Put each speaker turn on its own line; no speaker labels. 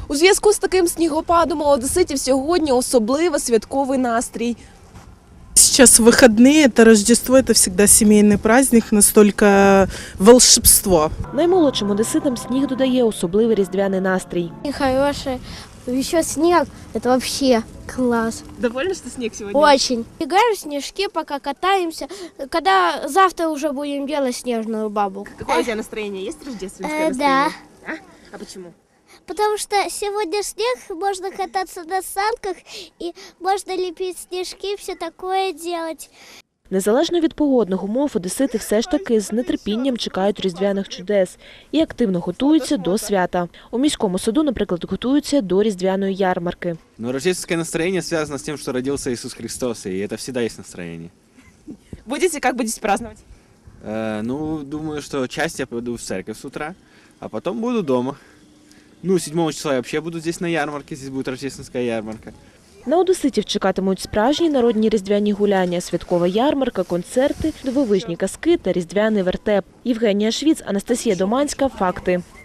У зв'язку з таким снігопадом у одеситів сьогодні особливо святковий настрій.
Сейчас выходные, это Рождество, это всегда семейный праздник, настолько волшебство.
Наймолодшим одеситам сніг додає особливий різдвяний настрій.
И хороший. Еще снег, это вообще класс.
Довольно, що сніг сьогодні?
Очень. Бегаем в снежки, пока катаемся. Когда завтра уже будем делать снежную бабу.
Какое у тебя настроение? Есть рождественское
Да.
А почему?
Потому что сегодня снег, можно кататься на санках, и можно лепить снежки, все такое делать.
Незалежно від погодних умов, одесити все ж таки з нетерпінням чекають різдвяних чудес і активно готуються до свята. У міському саду, наприклад, готуються до різдвяної ярмарки.
Но рождественское настроение связано с тем, что родился Иисус Христос, и это всегда есть настроение.
Как будете праздновать?
Думаю, что часть я пойду в церковь с утра, а потом буду дома. 7 числа я вообще буду здесь на ярмарке, здесь будет рождественская ярмарка.
На одеситів чекатимуть справжні народні різдвяні гуляння, святкова ярмарка, концерти, дивовижні казки та різдвяний вертеп. Євгенія Швіц, Анастасія Доманська. Факти.